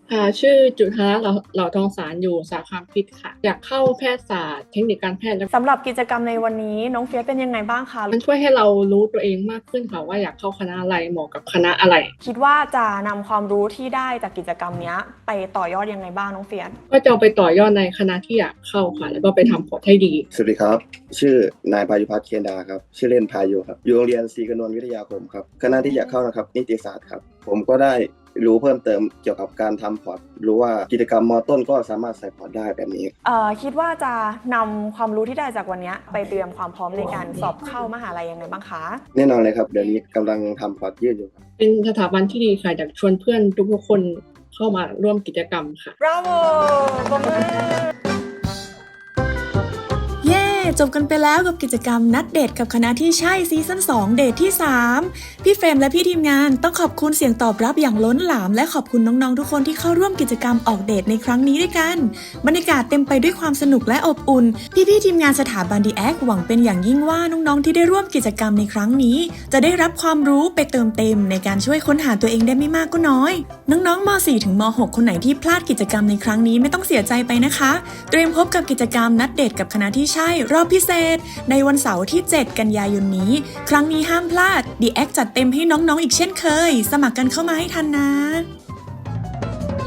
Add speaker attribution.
Speaker 1: ชื่อจุฑาเหล่าทองสารอยู่สาขาพิษค่ะอยากเข้าแพทยศาสตร์เทคนิคการแพทย์แล้ว
Speaker 2: สำหรับกิจกรรมในวันนี้น้องเฟียสเป็นยังไงบ้างคะ
Speaker 1: มันช่วยให้เรารู้ตัวเองมากขึ้นค่ะว่าอยากเข้าคณะอะไรเหมาะกับคณะอะไร
Speaker 2: คิดว่าจะนำความรู้ที่ได้จากกิจกรรมนี้ไปต่อยอดยังไงบ้างน้องเฟียส
Speaker 1: ก็จะเอาไปต่อยอดในคณะที่อยากเข้าค่ะแล้วก็ไปทำพอร์ตให้ดี
Speaker 3: สวัสดีครับชื่อนายพายุพัฒน์เคนดาครับชื่อเล่นพายุครับอยู่โรงเรียนศรีกนวลวิทยาคมครับคณะที่อยากเข้านะครับนิติศาสตร์ครับผมก็ได้รู้เพิ่มเติมเกี่ยวกับการทำพอร์ตรู้ว่ากิจกรรมมต้นก็สามารถใส่พอร์ตได้แบบนี้
Speaker 2: คิดว่าจะนำความรู้ที่ได้จากวันนี้ไปเตรียมความพร้อมในการสอบเข้ามหาลัยยังไงบ้างคะ
Speaker 3: แน่นอนเลยครับเดี๋ยวนี้กำลังทำพอร์ตยืดอยู่ครับ
Speaker 1: เป็นสถาบันที่ดีค่ะอยากชวนเพื่อนทุกๆคนเข้ามาร่วมกิจกรรมค่ะ
Speaker 2: Bravo ปรบมือ
Speaker 4: เย้จบกันไปแล้วกับกิจกรรมนัดเดทกับคณะที่ใช่ซีซั่น2เดทที่3พี่เฟรมและพี่ทีมงานต้องขอบคุณเสียงตอบรับอย่างล้นหลามและขอบคุณน้องๆทุกคนที่เข้าร่วมกิจกรรมออกเดทในครั้งนี้ด้วยกันบรรยากาศเต็มไปด้วยความสนุกและอบอุ่นพี่ๆทีมงานสถาบันดีแอคหวังเป็นอย่างยิ่งว่าน้องๆที่ได้ร่วมกิจกรรมในครั้งนี้จะได้รับความรู้ไปเติมเต็มในการช่วยค้นหาตัวเองได้ไม่มากก็น้อยน้องๆม.4 ถึงม.6 คนไหนที่พลาดกิจกรรมในครั้งนี้ไม่ต้องเสียใจไปนะคะเตรียมพบกับกิจกรรมนัดเดทกับคณะที่ใช่รอบพิเศษในวันเสาร์ที่ 7 กันยายนนี้ครั้งนี้ห้ามพลาด The Act จัดเต็มให้น้องๆอีกเช่นเคยสมัครกันเข้ามาให้ทันนะ